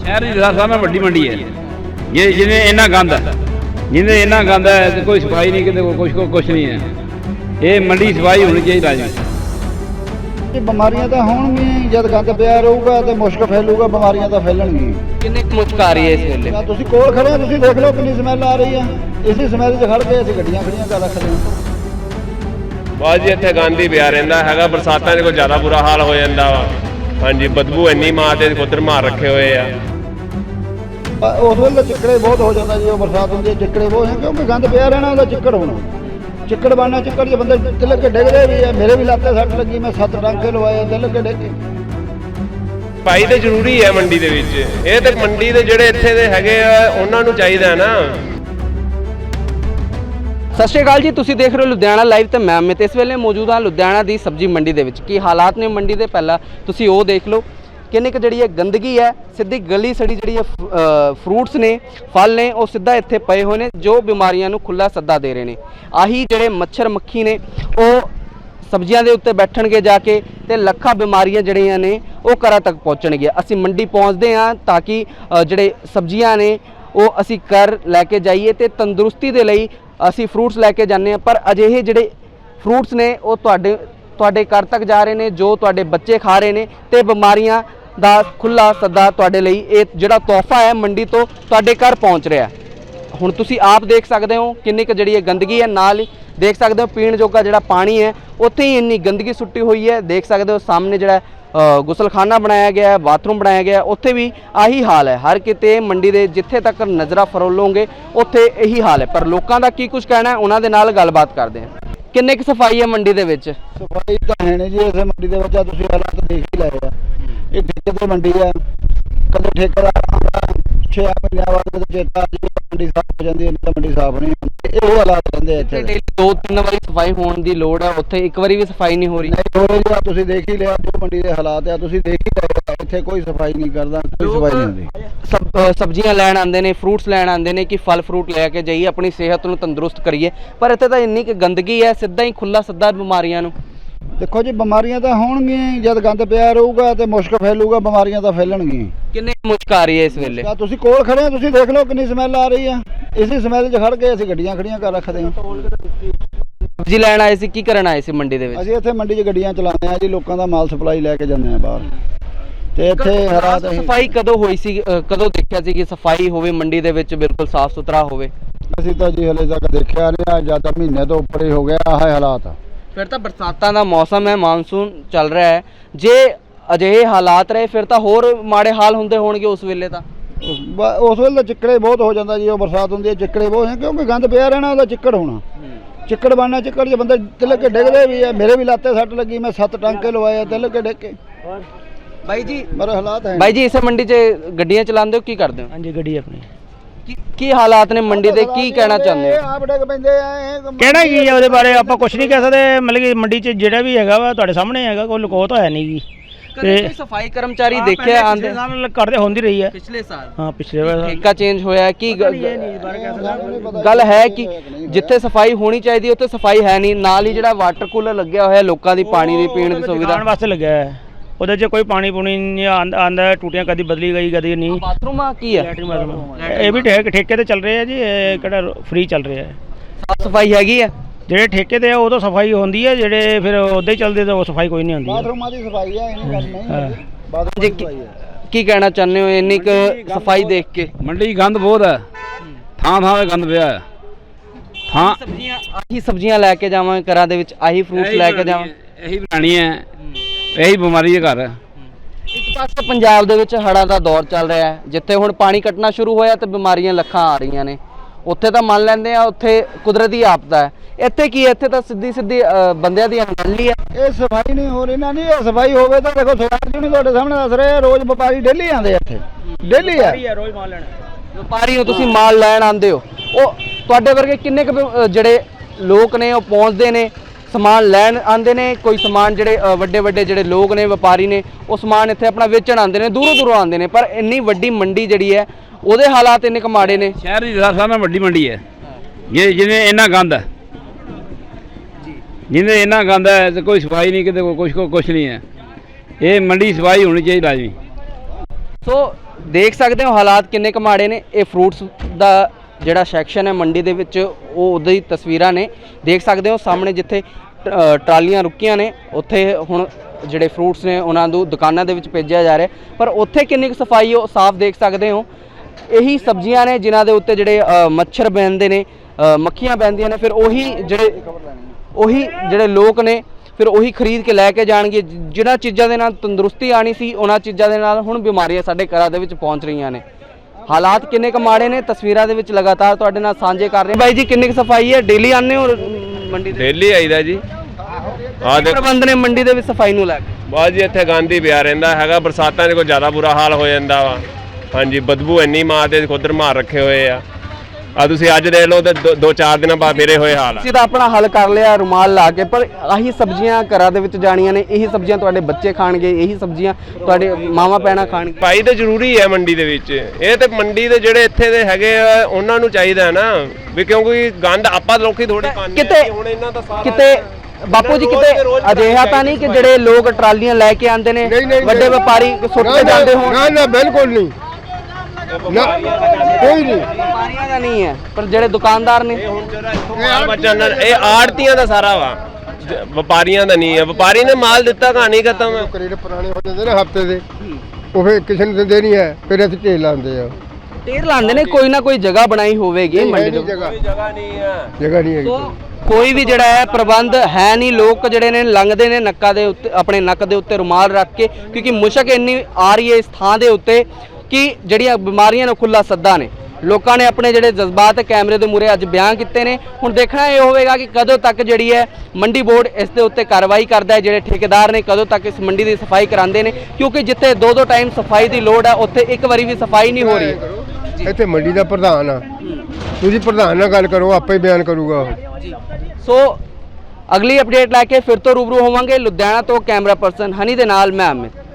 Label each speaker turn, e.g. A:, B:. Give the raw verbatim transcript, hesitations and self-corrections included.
A: शहर की सारे में वड्डी मंडी है। ये जिन्हें इन्ना गंद है, जिन्हें इन्ना गंद है तो कोई सफाई नहीं, कितने कुछ कुछ नहीं है। ये मंडी सफाई होनी चाहिए लाजमी।
B: ये बीमारियां तो होणगीਆਂ जब गंद पिया रहूगा तो मुश्क फैलूगा, बीमारियां तो फैलणगीਆਂ।
C: किन्ने मुश्क आ रही है इस वेले?
B: तुसीं कोल खड़े हो, तुसीं देख लो कितनी स्मैल आ रही है। इसी स्मैल 'ਚ खड़ के ਅਸੀਂ ਗੱਡੀਆਂ ਖੜੀਆਂ ਕਰ ਰੱਖਦੇ ਹਾਂ।
D: बस जी इत्थे गंद ही पिया रहिंदा हैगा, बरसातां 'ਚ कोई ज़्यादा बुरा हाल हो जांदा वा। हाँ जी, बदबू इन्नी मां ते खुद मार रखे हुए आ।
B: उस वेले चिक्कड़े बहुत हो जाता जी, बरसात होंदी चिक्कड़े बहुत है, क्योंकि गंद पिया रहना ਉਹਦਾ चिक्कड़ होना। चिक्कड़ बनना, चिक्कड़ 'ਚ ਬੰਦੇ ਤਿਲਕ ਕੇ ਡਿੱਗਦੇ ਵੀ ਆ। ਮੇਰੇ ਵੀ ਲੱਤੇ ਸੱਟ ਲੱਗੀ, ਮੈਂ ਸੱਤ ਟਾਂਕੇ ਲਵਾਏ ਤਿਲਕ ਕੇ ਡਿੱਗ ਕੇ।
D: ਸਫਾਈ ਤੇ ਜ਼ਰੂਰੀ ਹੈ ਮੰਡੀ ਦੇ ਵਿੱਚ। ਇਹ ਤੇ ਮੰਡੀ ਦੇ ਜਿਹੜੇ ਇੱਥੇ ਦੇ ਹੈਗੇ ਆ ਉਹਨਾਂ ਨੂੰ ਚਾਹੀਦਾ ਨਾ।
C: ਸਤਿ ਸ਼੍ਰੀ ਅਕਾਲ ਜੀ, ਤੁਸੀਂ ਦੇਖ ਰਹੇ ਹੋ ਲੁਧਿਆਣਾ ਲਾਈਵ ਤੇ ਮੈਂ ਅਮਿਤ। ਇਸ ਵੇਲੇ ਮੌਜੂਦ ਹਾਂ ਲੁਧਿਆਣਾ ਦੀ ਸਬਜ਼ੀ ਮੰਡੀ ਦੇ ਵਿੱਚ। ਕੀ ਹਾਲਾਤ ਨੇ ਮੰਡੀ ਦੇ, ਪਹਿਲਾਂ ਤੁਸੀਂ ਉਹ ਦੇਖ ਲਓ। ਕਿੰਨੀ ਕੁ ਜਿਹੜੀ ਹੈ ਗੰਦਗੀ ਹੈ, ਸਿੱਧੀ ਗਲੀ ਸੜੀ ਜਿਹੜੀ ਹੈ, ਫਰੂਟਸ ਨੇ, ਫਲ ਨੇ, ਉਹ ਸਿੱਧਾ ਇੱਥੇ ਪਏ ਹੋਏ ਨੇ, ਜੋ ਬਿਮਾਰੀਆਂ ਨੂੰ ਖੁੱਲਾ ਸੱਦਾ ਦੇ ਰਹੇ ਨੇ। ਆਹੀ ਜਿਹੜੇ ਮੱਛਰ ਮੱਖੀ ਨੇ ਉਹ ਸਬਜ਼ੀਆਂ ਦੇ ਉੱਤੇ ਬੈਠਣਗੇ ਜਾ ਕੇ, ਤੇ ਲੱਖਾਂ ਬਿਮਾਰੀਆਂ ਜਿਹੜੀਆਂ ਨੇ ਉਹ ਘਰਾਂ ਤੱਕ ਪਹੁੰਚਣਗੀਆਂ। ਅਸੀਂ ਮੰਡੀ ਪਹੁੰਚਦੇ ਹਾਂ ਤਾਂ ਕਿ ਜਿਹੜੇ ਸਬਜ਼ੀਆਂ ਨੇ ਉਹ ਅਸੀਂ ਘਰ ਲੈ ਕੇ ਜਾਈਏ, ਤੇ ਤੰਦਰੁਸਤੀ ਦੇ ਲਈ ਅਸੀਂ ਫਰੂਟਸ ਲੈ ਕੇ ਜਾਂਦੇ ਹਾਂ। ਪਰ ਅਜਿਹੇ ਜਿਹੜੇ ਫਰੂਟਸ ਨੇ ਉਹ ਤੁਹਾਡੇ ਤੁਹਾਡੇ ਘਰ ਤੱਕ ਜਾ ਰਹੇ ਨੇ, ਜੋ ਤੁਹਾਡੇ ਬੱਚੇ ਖਾ ਰਹੇ ਨੇ, ਤੇ ਬਿਮਾਰੀਆਂ ਦਾ ਖੁੱਲਾ ਸੱਦਾ ਤੁਹਾਡੇ ਲਈ ਇਹ ਜਿਹੜਾ ਤੋਹਫਾ ਹੈ ਮੰਡੀ ਤੋਂ ਤੁਹਾਡੇ ਘਰ ਪਹੁੰਚ ਰਿਹਾ। ਹੁਣ ਤੁਸੀਂ ਆਪ ਦੇਖ ਸਕਦੇ ਹੋ ਕਿੰਨੀ ਕੁ ਜਿਹੜੀ ਹੈ ਗੰਦਗੀ ਹੈ। ਨਾਲ ਹੀ ਦੇਖ ਸਕਦੇ ਹੋ ਪੀਣ ਜੋਗਾ ਜਿਹੜਾ ਪਾਣੀ ਹੈ ਉੱਥੇ ਹੀ ਇੰਨੀ ਗੰਦਗੀ ਸੁੱਟੀ ਹੋਈ ਹੈ। ਦੇਖ ਸਕਦੇ ਹੋ ਸਾਹਮਣੇ ਜਿਹੜਾ ਗੁਸਲਖਾਨਾ ਬਣਾਇਆ ਗਿਆ ਹੈ, ਬਾਥਰੂਮ ਬਣਾਇਆ ਗਿਆ, ਉੱਥੇ ਵੀ ਆਹੀ ਹਾਲ ਹੈ। ਹਰ ਕਿਤੇ ਮੰਡੀ ਦੇ ਜਿੱਥੇ ਤੱਕ ਨਜ਼ਰਾਂ ਫਰੋਲੋਗੇ ਉੱਥੇ ਇਹੀ ਹਾਲ ਹੈ। ਪਰ ਲੋਕਾਂ ਦਾ ਕੀ ਕੁਝ ਕਹਿਣਾ ਹੈ, ਉਹਨਾਂ ਦੇ ਨਾਲ ਗੱਲਬਾਤ ਕਰਦੇ ਹਾਂ। ਕਿੰਨੇ ਕੁ ਸਫਾਈ ਹੈ ਮੰਡੀ ਦੇ ਵਿੱਚ?
B: ਸਫਾਈ ਤਾਂ ਹੈ ਨਹੀਂ ਜੀ ਇਸ ਮੰਡੀ ਦੇ ਵਿੱਚ। ਤੁਸੀਂ ਹਾਲਾਤ ਦੇਖ ਹੀ ਲਏ ਆ। ਇਹ ਠੇਕੇ ਤੇ ਮੰਡੀ ਆ, ਕਦੇ ਠੇਕੇਦਾਰ ਆਉਂਦਾ ਛੇ ਮਹੀਨਿਆਂ ਬਾਅਦ ਕਦੇ ਚੇਤਾ ਜੀ ਮੰਡੀ ਸਾਫ਼ ਹੋ ਜਾਂਦੀ ਹੈ, ਨਹੀਂ ਤਾਂ ਮੰਡੀ ਸਾਫ਼ ਨਹੀਂ ਹੁੰਦੀ। ਇਹ ਹਾਲਾਤ ਰਹਿੰਦੇ ਇੱਥੇ।
C: ਦੋ ਤਿੰਨ ਵਾਰੀ ਸਫਾਈ ਹੋਣ ਦੀ ਲੋੜ ਹੈ, ਉੱਥੇ ਇੱਕ ਵਾਰੀ ਵੀ ਸਫਾਈ ਨਹੀਂ ਹੋ ਰਹੀ।
B: ਨਹੀਂ ਹੋ ਰਹੀ ਆ, ਤੁਸੀਂ ਦੇਖ ਹੀ ਲਿਆ ਜੋ ਮੰਡੀ ਦੇ ਹਾਲਾਤ ਆ, ਤੁਸੀਂ ਦੇਖ ਹੀ ਲਏ। ਇੱਥੇ ਕੋਈ ਸਫਾਈ ਨਹੀਂ ਕਰਦਾ, ਕੋਈ ਸਫਾਈ ਨਹੀਂ ਹੁੰਦੀ।
C: ਸਬ ਸਬਜ਼ੀਆਂ ਲੈਣ ਆਉਂਦੇ ਨੇ, ਫਰੂਟਸ ਲੈਣ ਆਉਂਦੇ ਨੇ ਕਿ ਫਲ ਫਰੂਟ ਲੈ ਕੇ ਜਾਈਏ, ਆਪਣੀ ਸਿਹਤ ਨੂੰ ਤੰਦਰੁਸਤ ਕਰੀਏ, ਪਰ ਇੱਥੇ ਤਾਂ ਇੰਨੀ ਕਿ ਗੰਦਗੀ ਹੈ, ਸਿੱਧਾ ਹੀ ਖੁੱਲਾ ਸੱਦਾ ਬਿਮਾਰੀਆਂ ਨੂੰ।
B: ਦੇਖੋ ਜੀ ਬਿਮਾਰੀਆਂ ਤਾਂ ਹੋਣਗੀਆਂ ਜਦ ਗੰਦ ਪਿਆ ਰਹੂਗਾ ਤੇ ਮੁਸ਼ਕ ਫੈਲੂਗਾ, ਬਿਮਾਰੀਆਂ ਤਾਂ ਫੈਲਣਗੀਆਂ।
C: ਕਿੰਨੇ ਮੁਸ਼ਕ ਆ ਰਹੀ ਹੈ ਇਸ ਵੇਲੇ?
B: ਤੁਸੀਂ ਕੋਲ ਖੜੇ ਹੋ, ਤੁਸੀਂ ਦੇਖ ਲਓ ਕਿੰਨੀ ਸਮੈਲ ਆ ਰਹੀ ਆ। ਇਸੇ ਸਮੈਲ 'ਚ ਖੜ ਕੇ ਅਸੀਂ ਗੱਡੀਆਂ ਖੜੀਆਂ ਕਰ ਰੱਖਦੇ ਹਾਂ।
C: ਸਬਜ਼ੀ ਲੈਣ ਆਏ ਸੀ, ਕੀ ਕਰਨ ਆਏ ਸੀ ਮੰਡੀ ਦੇ ਵਿੱਚ?
B: ਅਸੀਂ ਇੱਥੇ ਮੰਡੀ 'ਚ ਗੱਡੀਆਂ ਚਲਾਉਂਦੇ ਆ ਜੀ, ਲੋਕਾਂ ਦਾ ਮਾਲ ਸਪਲਾਈ ਲੈ ਕੇ ਜਾਂਦੇ ਆ ਬਾਹਰ। ਤੇ ਇੱਥੇ ਹਾਲਾਤ
C: ਸਫਾਈ ਕਦੋਂ ਹੋਈ ਸੀ, ਕਦੋਂ ਦੇਖਿਆ ਸੀ ਕਿ ਸਫਾਈ ਹੋਵੇ ਮੰਡੀ ਦੇ ਵਿੱਚ, ਬਿਲਕੁਲ ਸਾਫ਼ ਸੁਥਰਾ ਹੋਵੇ?
B: ਅਸੀਂ ਤਾਂ ਜੀ ਹਲੇ ਤੱਕ ਦੇਖਿਆ ਨਹੀਂ ਆ, ਜਾਂ ਤਾਂ ਮਹੀਨੇ ਤੋਂ ਉੱਪਰ ਹੀ ਹੋ ਗਿਆ ਆਹ ਹਾਲਾਤ।
C: ਫਿਰ ਤਾਂ ਬਰਸਾਤਾਂ ਦਾ ਮੌਸਮ ਹੈ, ਮਾਨਸੂਨ ਚੱਲ ਰਿਹਾ ਹੈ। ਜੇ ਅਜਿਹੇ ਹਾਲਾਤ ਰਹੇ ਫਿਰ ਤਾਂ ਹੋਰ ਮਾੜੇ ਹਾਲ ਹੁੰਦੇ ਹੋਣਗੇ ਉਸ ਵੇਲੇ ਤਾਂ।
B: ਉਸ ਵੇਲੇ ਤਾਂ ਚਿੱਕੜੇ ਬਹੁਤ ਹੋ ਜਾਂਦਾ ਜੀ, ਉਹ ਬਰਸਾਤ ਹੁੰਦੀ ਹੈ ਚਿੱਕੜੇ ਬਹੁਤ ਹੈ, ਕਿਉਂਕਿ ਗੰਦ ਪਿਆ ਰਹਿਣਾ ਉਹਦਾ ਚਿੱਕੜ ਹੋਣਾ। ਚਿੱਕੜ ਬਣਨਾ, ਚਿੱਕੜ 'ਚ ਬੰਦੇ ਤਿਲਕ ਕੇ ਡਿੱਗਦੇ ਵੀ ਆ। ਮੇਰੇ ਵੀ ਲੱਤੇ ਸੱਟ ਲੱਗੀ, ਮੈਂ ਸੱਤ ਟਾਂਕੇ ਲਵਾਏ ਤਿਲਕ ਕੇ ਡਿੱਗ ਕੇ।
C: ਬਾਈ ਜੀ
B: ਮੇਰੇ ਹਾਲਾਤ ਹੈ।
C: ਬਾਈ ਜੀ ਇਸੇ ਮੰਡੀ 'ਚ ਗੱਡੀਆਂ ਚਲਾਉਂਦੇ ਹੋ, ਕੀ ਕਰਦੇ ਹੋ?
E: ਹਾਂਜੀ ਗੱਡੀ ਆਪਣੀ।
C: ਕੀ ਹਾਲਾਤ ਨੇ ਮੰਡੀ ਦੇ, ਕੀ ਕਹਿਣਾ ਚਾਹੁੰਦੇ ਹੋ?
B: ਆਪ ਡਿੱਗ ਪੈਂਦੇ ਆ।
E: ਕਹਿਣਾ ਕੀ ਹੈ ਉਹਦੇ ਬਾਰੇ, ਆਪਾਂ ਕੁਝ ਨਹੀਂ ਕਹਿ ਸਕਦੇ। ਮਤਲਬ ਕਿ ਮੰਡੀ 'ਚ ਜਿਹੜਾ ਵੀ ਹੈਗਾ ਵਾ ਤੁਹਾਡੇ ਸਾਹਮਣੇ ਹੈਗਾ, ਕੋਈ ਲੁਕੋ ਤਾਂ ਹੈ ਨਹੀਂ ਜੀ।
C: ਕਦੇ ਕੋਈ ਸਫਾਈ ਕਰਮਚਾਰੀ ਦੇਖਿਆ ਆਂਦੇ?
E: ਸਾਲ ਕਰਦੇ ਹੁੰਦੀ ਰਹੀ ਹੈ
C: ਪਿਛਲੇ ਸਾਲ।
E: ਹਾਂ ਪਿਛਲੇ ਵਾਰ
C: ਠੇਕਾ ਚੇਂਜ ਹੋਇਆ ਕੀ ਗੱਲ ਹੈ ਕਿ ਜਿੱਥੇ ਸਫਾਈ ਹੋਣੀ ਚਾਹੀਦੀ ਉੱਥੇ ਸਫਾਈ ਹੈ ਨਹੀਂ। ਨਾਲ ਹੀ ਜਿਹੜਾ ਵਾਟਰ ਕੂਲਰ ਲੱਗਿਆ ਹੋਇਆ ਲੋਕਾਂ ਦੀ ਪਾਣੀ ਦੀ ਪੀਣ ਦੀ ਸੁਵਿਧਾ
E: ਵਾਸਤੇ ਲੱਗਿਆ ਹੈ, ਉਹਦੇ 'ਚ ਕੋਈ ਪਾਣੀ ਪੂਣੀ ਨਹੀਂ ਆਉਂਦਾ। ਟੂਟੀਆਂ ਕਦੀ ਬਦਲੀ ਗਈ ਕਦੀ ਨਹੀਂ।
C: ਬਾਥਰੂਮ ਆ ਕੀ ਹੈ?
E: ਇਹ ਵੀ ਠੇਕੇ ਤੇ ਚੱਲ ਰਹੇ ਆ ਜੀ, ਇਹ ਕਿਹੜਾ ਫ੍ਰੀ ਚੱਲ ਰਿਹਾ ਹੈ।
C: ਸਾਫ ਸਫਾਈ ਹੈਗੀ ਹੈ?
E: ਜਿਹੜੇ ਠੇਕੇ ਤੇ ਆ ਉਹ ਤਾਂ ਸਫਾਈ ਹੁੰਦੀ ਹੈ, ਜਿਹੜੇ ਫਿਰ ਉੱਦਾਂ ਹੀ ਚੱਲਦੇ ਤਾਂ ਉਹ ਸਫਾਈ ਕੋਈ ਨਹੀਂ ਹੁੰਦੀ।
B: ਬਾਥਰੂਮਾਂ ਦੀ ਸਫਾਈ ਹੈ, ਇਹਨੀ ਗੱਲ ਨਹੀਂ ਹੈ। ਬਾਥਰੂਮ ਦੀ ਸਫਾਈ ਹੈ।
C: ਕੀ ਕਹਿਣਾ ਚਾਹੁੰਦੇ ਹੋ ਇੰਨੀ ਕੁ ਸਫਾਈ ਦੇਖ ਕੇ?
A: ਮੰਡੀ ਗੰਦ ਬਹੁਤ ਹੈ, ਥਾਂ ਥਾਂ 'ਤੇ ਗੰਦ ਪਿਆ ਹੈ। ਥਾਂ
C: ਸਬਜ਼ੀਆਂ ਆਹੀ ਸਬਜ਼ੀਆਂ ਲੈ ਕੇ ਜਾਵਾਂ ਘਰਾਂ ਦੇ ਵਿੱਚ, ਆਹੀ ਫਰੂਟਸ ਲੈ ਕੇ ਜਾਵਾਂ,
A: ਇਹੀ ਬਣਾਣੀ ਹੈ, ਇਹੀ ਬਿਮਾਰੀ ਦੇ ਘਰ ਹੈ।
C: ਇੱਕ ਪਾਸੇ ਪੰਜਾਬ ਦੇ ਵਿੱਚ ਹੜ੍ਹਾਂ ਦਾ ਦੌਰ ਚੱਲ ਰਿਹਾ ਹੈ, ਜਿੱਥੇ ਹੁਣ ਪਾਣੀ ਕੱਟਣਾ ਸ਼ੁਰੂ ਹੋਇਆ ਤੇ ਬਿਮਾਰੀਆਂ ਲੱਖਾਂ ਆ ਰਹੀਆਂ ਨੇ। ਉੱਥੇ ਤਾਂ ਮੰਨ ਲੈਂਦੇ ਆ ਉੱਥੇ ਕੁਦਰਤੀ ਆਪਦਾ ਹੈ, ਇੱਥੇ ਕੀ ਹੈ? ਇੱਥੇ ਤਾਂ ਸਿੱਧੀ ਸਿੱਧੀ ਬੰਦਿਆਂ ਦੀ ਅਣਗਹਿਲੀ ਹੈ।
B: ਇਹ ਸਫਾਈ ਨਹੀਂ ਹੋ ਰਹੀ ਨਾ। ਨਹੀਂ ਇਹ ਸਫਾਈ ਹੋਵੇ ਤਾਂ ਦੇਖੋ ਸਰਕਾਰ ਜੀ ਨਹੀਂ ਤੁਹਾਡੇ ਸਾਹਮਣੇ ਦੱਸ ਰਹੇ, ਰੋਜ਼ ਵਪਾਰੀ ਡੇਲੀ ਆਉਂਦੇ ਇੱਥੇ, ਡੇਲੀ ਆ
E: ਰੋਜ਼ ਮਾਲ ਲੈਣਾ।
C: ਵਪਾਰੀ ਹੋ ਤੁਸੀਂ, ਮਾਲ ਲੈਣ ਆਉਂਦੇ ਹੋ, ਉਹ ਤੁਹਾਡੇ ਵਰਗੇ ਕਿੰਨੇ ਕੁ ਜਿਹੜੇ ਲੋਕ ਨੇ ਉਹ ਪਹੁੰਚਦੇ ਨੇ, ਸਮਾਨ ਲੈਣ ਆਉਂਦੇ ਨੇ? ਕੋਈ ਸਮਾਨ ਜਿਹੜੇ ਵੱਡੇ ਵੱਡੇ ਜਿਹੜੇ ਲੋਕ ਨੇ, ਵਪਾਰੀ ਨੇ, ਉਹ ਸਮਾਨ ਇੱਥੇ ਆਪਣਾ ਵੇਚਣ ਆਉਂਦੇ ਨੇ, ਦੂਰੋਂ ਦੂਰੋਂ ਆਉਂਦੇ ਨੇ। ਪਰ ਇੰਨੀ ਵੱਡੀ ਮੰਡੀ ਜਿਹੜੀ ਹੈ ਉਹਦੇ ਹਾਲਾਤ ਇੰਨੇ ਕੁ ਮਾੜੇ ਨੇ।
A: ਸ਼ਹਿਰ ਦੀ ਸਾਰਿਆਂ ਨਾਲੋਂ ਵੱਡੀ ਮੰਡੀ ਹੈ। ਜੇ ਜਿਵੇਂ ਇੰਨਾ ਗੰਦ ਹੈ, ਜਿੰਨੇ ਇੰਨਾ ਗੰਦ ਹੈ ਤੇ ਕੋਈ ਸਫਾਈ ਨਹੀਂ, ਕਿਤੇ ਕੁਛ ਕੁਛ ਨਹੀਂ ਹੈ। ਇਹ ਮੰਡੀ ਸਫਾਈ ਹੋਣੀ ਚਾਹੀਦੀ ਲਾਜ਼ਮੀ।
C: ਸੋ ਦੇਖ ਸਕਦੇ ਹੋ ਹਾਲਾਤ ਕਿੰਨੇ ਕੁ ਮਾੜੇ ਨੇ। ਇਹ ਫਰੂਟਸ ਦਾ ਜਿਹੜਾ ਸੈਕਸ਼ਨ ਹੈ ਮੰਡੀ ਦੇ ਵਿੱਚ ਉਹ ਉਹਦੀ ਤਸਵੀਰਾਂ ਨੇ। ਦੇਖ ਸਕਦੇ ਹੋ ਸਾਹਮਣੇ ਜਿੱਥੇ ਅ, ਟਰਾਲੀਆਂ ਰੁਕੀਆਂ ਨੇ ਉੱਥੇ ਹੁਣ ਜਿਹੜੇ ਫਰੂਟਸ ਨੇ ਉਹਨਾਂ ਨੂੰ ਦੁਕਾਨਾਂ ਦੇ ਵਿੱਚ ਭੇਜਿਆ ਜਾ ਰਿਹਾ, ਪਰ ਉੱਥੇ ਕਿੰਨੀ ਕੁ ਸਫਾਈ ਉਹ ਸਾਫ਼ ਦੇਖ ਸਕਦੇ ਹੋ। ਇਹੀ ਸਬਜ਼ੀਆਂ ਨੇ ਜਿਨ੍ਹਾਂ ਦੇ ਉੱਤੇ ਜਿਹੜੇ ਅ, ਮੱਛਰ ਬਹਿੰਦੇ ਨੇ, ਅ, ਮੱਖੀਆਂ ਬਹਿੰਦੀਆਂ ਨੇ, ਫਿਰ ਉਹੀ ਜਿਹੜੇ ਉਹੀ ਜਿਹੜੇ ਲੋਕ ਨੇ ਫਿਰ ਉਹੀ ਖਰੀਦ ਕੇ ਲੈ ਕੇ ਜਾਣਗੇ। ਜਿਨ੍ਹਾਂ ਚੀਜ਼ਾਂ ਦੇ ਨਾਲ ਤੰਦਰੁਸਤੀ ਆਣੀ ਸੀ ਉਹਨਾਂ ਚੀਜ਼ਾਂ ਦੇ ਨਾਲ ਹੁਣ ਬਿਮਾਰੀਆਂ ਸਾਡੇ ਘਰਾਂ ਦੇ ਵਿੱਚ ਪਹੁੰਚ ਰਹੀਆਂ ਨੇ। ਹਾਲਾਤ ਕਿੰਨੇ ਕੁ ਮਾੜੇ ਨੇ ਤਸਵੀਰਾਂ ਦੇ ਵਿੱਚ ਲਗਾਤਾਰ ਤੁਹਾਡੇ ਨਾਲ ਸਾਂਝੇ ਕਰ ਰਹੇ ਹਾਂ। ਬਾਈ ਜੀ ਕਿੰਨੀ ਕੁ ਸਫਾਈ ਹੈ? ਡੇਲੀ ਆਉਂਦੇ ਹੋ ਮੰਡੀ ਦੇ?
D: ਡੇਲੀ ਆਈਦਾ ਜੀ। ਆ ਦੇ
C: ਪ੍ਰਬੰਧ ਨੇ ਮੰਡੀ ਦੇ ਵਿੱਚ ਸਫਾਈ ਨੂੰ ਲੈ ਕੇ?
D: ਬਾਅਦ ਜੀ ਇੱਥੇ ਗੰਦ ਹੀ ਪਿਆ ਰਹਿੰਦਾ ਹੈਗਾ, ਬਰਸਾਤਾਂ 'ਚ ਕੋਈ ਜ਼ਿਆਦਾ ਬੁਰਾ ਹਾਲ ਹੋ ਜਾਂਦਾ ਵਾ। ਹਾਂਜੀ, ਬਦਬੂ ਇੰਨੀ ਮਾਰਦੇ, ਖੁੱਦਰ ਮਾਰ ਰੱਖੇ ਹੋਏ ਆ। ਆ ਤੁਸੀਂ ਅੱਜ ਦੇਖ ਲਓ ਤੇ ਦੋ- ਦੋ ਚਾਰ ਦਿਨਾਂ ਬਾਅਦ ਮੇਰੇ ਹੋਏ ਹਾਲ ਆ।
C: ਤੁਸੀਂ ਤਾਂ ਆਪਣਾ ਹੱਲ ਕਰ ਲਿਆ ਰੁਮਾਲ ਲਾ ਕੇ, ਪਰ ਆਹੀ ਸਬਜ਼ੀਆਂ ਘਰਾਂ ਦੇ ਵਿੱਚ ਜਾਣੀਆਂ ਨੇ। ਇਹੀ ਸਬਜ਼ੀਆਂ ਤੁਹਾਡੇ ਬੱਚੇ ਖਾਣਗੇ, ਇਹੀ ਸਬਜ਼ੀਆਂ ਤੁਹਾਡੇ ਮਾਵਾਂ ਭੈਣਾਂ ਖਾਣਗੇ।
D: ਭਾਈ ਤਾਂ ਜ਼ਰੂਰੀ ਹੈ ਮੰਡੀ ਦੇ ਵਿੱਚ। ਇਹ ਤੇ ਮੰਡੀ ਦੇ ਜਿਹੜੇ ਇੱਥੇ ਦੇ ਹੈਗੇ ਆ ਉਹਨਾਂ ਨੂੰ ਚਾਹੀਦਾ ਹੈ ਨਾ ਵੀ, ਕਿਉਂਕਿ ਗੰਦ ਆਪਾਂ ਲੋਕੀ ਥੋੜੀ ਪਾਉਂਦੇ
C: ਕਿਤੇ
D: ਹੁਣ ਇਹਨਾਂ ਦਾ ਸਾਰਾ
C: ਕਿਤੇ ਬਾਪੂ ਜੀ ਕਿਤੇ ਅਜਿਹਾ ਤਾਂ ਨਹੀਂ ਕਿ ਜਿਹੜੇ ਲੋਕ ਟਰਾਲੀਆਂ ਲੈ ਕੇ ਆਉਂਦੇ ਨੇ ਵੱਡੇ ਵਪਾਰੀ ਸੁੱਟ ਕੇ ਜਾਂਦੇ ਹੋਣ?
F: ਨਾ ਨਾ ਬਿਲਕੁਲ ਨਹੀਂ, ਨਾ ਕੋਈ ਨਹੀਂ।
C: ਵਪਾਰੀਆਂ ਦਾ ਨਹੀਂ ਹੈ, ਪਰ ਜਿਹੜੇ ਦੁਕਾਨਦਾਰ ਨੇ
D: ਮਾਲ ਬਚਣ ਇਹ ਆੜਤੀਆਂ ਦਾ ਸਾਰਾ ਵਾ, ਜ- ਵਪਾਰੀਆਂ ਦਾ ਨਹੀਂ ਹੈ। ਵਪਾਰੀ ਨੇ ਮਾਲ ਦਿੱਤਾ, ਕਹਾਣੀ ਖਤਮ ਹੈ।
F: ਕਰੇਟ ਪੁਰਾਣੇ ਹੋ ਜਾਂਦੇ ਨੇ ਹਫਤੇ ਦੇ, ਉਹ ਫਿਰ ਕਿਸੇ ਨੂੰ ਦਿੰਦੇ ਨਹੀਂ ਹੈ, ਫਿਰ ਅਸੀਂ ਢੇਰ ਲਾਉਂਦੇ ਆ।
C: ਢੇਰ ਲਾਉਂਦੇ ਨੇ, ਕੋਈ ਨਾ ਕੋਈ ਜਗ੍ਹਾ ਬਣਾਈ ਹੋਵੇਗੀ ਮੰਡੀ ਦੇ।
F: ਜਗ੍ਹਾ
D: ਜਗ੍ਹਾ ਨਹੀਂ ਹੈ।
F: ਜਗ੍ਹਾ ਨਹੀਂ ਹੈਗੀ।
C: ਸੋ ਕੋਈ ਵੀ ਜਿਹੜਾ ਹੈ ਪ੍ਰਬੰਧ ਹੈ ਨਹੀਂ। ਲੋਕ ਜਿਹੜੇ ਨੇ ਲੰਘਦੇ ਨੇ ਨੱਕਾਂ ਦੇ ਉੱਤੇ, ਆਪਣੇ ਨੱਕ ਦੇ ਉੱਤੇ ਰੁਮਾਲ ਰੱਖ ਕੇ, ਕਿਉਂਕਿ ਮੁਸ਼ਕ ਇੰਨੀ ਆ ਰਹੀ ਹੈ ਇਸ ਥਾਂ ਦੇ ਉੱਤੇ ਕਿ ਜਿਹੜੀਆਂ ਬਿਮਾਰੀਆਂ ਨੂੰ ਖੁੱਲਾ ਸੱਦਾ ਨੇ। ਲੋਕਾਂ ਨੇ ਆਪਣੇ ਜਿਹੜੇ ਜਜ਼ਬਾਤ ਕੈਮਰੇ ਦੇ ਮੂਹਰੇ ਅੱਜ ਬਿਆਨ ਕੀਤੇ ਨੇ। ਹੁਣ ਦੇਖਣਾ ਇਹ ਹੋਵੇਗਾ ਕਿ ਕਦੋਂ ਤੱਕ ਜਿਹੜੀ ਹੈ ਮੰਡੀ ਬੋਰਡ ਇਸ ਦੇ ਉੱਤੇ ਕਾਰਵਾਈ ਕਰਦਾ ਹੈ, ਜਿਹੜੇ ਠੇਕੇਦਾਰ ਨੇ ਕਦੋਂ ਤੱਕ ਇਸ ਮੰਡੀ ਦੀ ਸਫਾਈ ਕਰਾਉਂਦੇ ਨੇ, ਕਿਉਂਕਿ ਜਿੱਥੇ ਦੋ ਦੋ ਟਾਈਮ ਸਫਾਈ ਦੀ ਲੋੜ ਹੈ ਉੱਥੇ ਇੱਕ ਵਾਰੀ ਵੀ ਸਫਾਈ ਨਹੀਂ ਹੋ ਰਹੀ।
F: ਇੱਥੇ ਮੰਡੀ ਦਾ ਪ੍ਰਧਾਨ ਆ, ਤੁਸੀਂ ਪ੍ਰਧਾਨ ਨਾਲ ਗੱਲ ਕਰੋ, ਆਪੇ ਹੀ ਬਿਆਨ ਕਰੂਗਾ ਉਹ।
C: ਸੋ ਅਗਲੀ ਅਪਡੇਟ ਲੈ ਕੇ ਫਿਰ ਤੋਂ ਰੂਬਰੂ ਹੋਵਾਂਗੇ। ਲੁਧਿਆਣਾ ਤੋਂ ਕੈਮਰਾ ਪਰਸਨ ਹਨੀ ਦੇ ਨਾਲ ਮੈਂ ਅਮਿਤ।